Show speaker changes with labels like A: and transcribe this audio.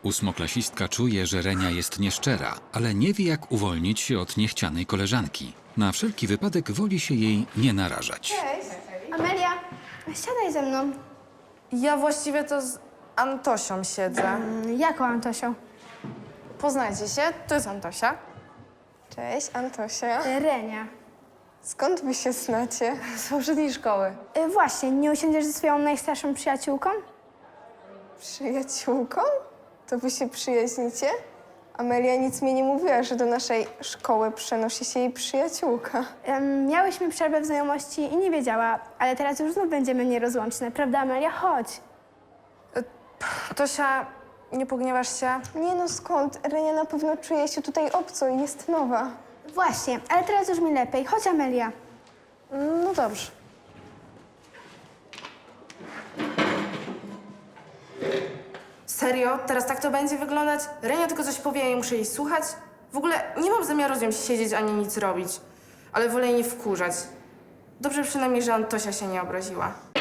A: Ósmoklasistka czuje, że Renia jest nieszczera, ale nie wie, jak uwolnić się od niechcianej koleżanki. Na wszelki wypadek woli się jej nie narażać.
B: Cześć. Amelia, siadaj ze mną.
C: Ja właściwie to z Antosią siedzę.
B: Jaką Antosią?
C: Poznajcie się, to jest Antosia.
D: Cześć, Antosia.
B: Renia.
D: Skąd wy się znacie?
C: Z poprzedniej szkoły.
B: Właśnie, nie usiądziesz ze swoją najstarszą przyjaciółką?
D: Przyjaciółką? To wy się przyjaźnicie? Amelia nic mi nie mówiła, że do naszej szkoły przenosi się jej przyjaciółka.
B: Miałyśmy przerwę w znajomości i nie wiedziała, ale teraz już znów będziemy nierozłączne. Prawda, Amelia? Chodź.
C: Tosia, nie pogniewasz się?
D: Nie no, skąd? Renia na pewno czuje się tutaj obco i jest nowa.
B: Właśnie, ale teraz już mi lepiej. Chodź, Amelia.
C: No dobrze. Serio? Teraz tak to będzie wyglądać? Renia tylko coś powie, a ja muszę jej słuchać? W ogóle nie mam zamiaru z nią siedzieć ani nic robić. Ale wolę jej nie wkurzać. Dobrze przynajmniej, że Antosia się nie obraziła.